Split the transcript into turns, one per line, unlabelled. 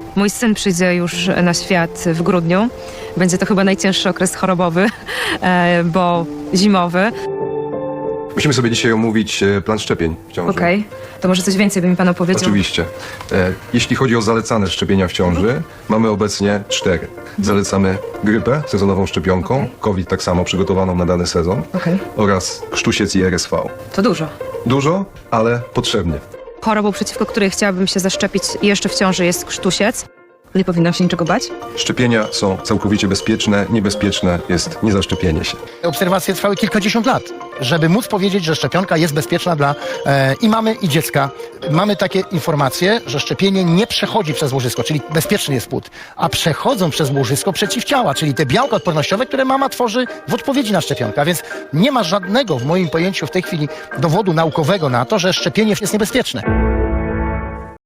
Mój syn przyjdzie już na świat w grudniu. Będzie to chyba najcięższy okres chorobowy, bo zimowy.
Musimy sobie dzisiaj omówić plan szczepień w ciąży.
Okej. To może coś więcej by mi pan opowiedział?
Oczywiście. Jeśli chodzi o zalecane szczepienia w ciąży, mamy obecnie 4. Zalecamy grypę sezonową szczepionką, COVID tak samo przygotowaną na dany sezon oraz krztusiec i RSV.
To dużo.
Dużo, ale potrzebnie.
Chorobą, przeciwko której chciałabym się zaszczepić jeszcze w ciąży, jest krztusiec. Nie powinnam się niczego bać?
Szczepienia są całkowicie bezpieczne, niebezpieczne jest niezaszczepienie się.
Obserwacje trwały kilkadziesiąt lat, żeby móc powiedzieć, że szczepionka jest bezpieczna dla i mamy, i dziecka. Mamy takie informacje, że szczepienie nie przechodzi przez łożysko, czyli bezpieczny jest płód, a przechodzą przez łożysko przeciwciała, czyli te białka odpornościowe, które mama tworzy w odpowiedzi na szczepionkę. A więc nie ma żadnego w moim pojęciu w tej chwili dowodu naukowego na to, że szczepienie jest niebezpieczne.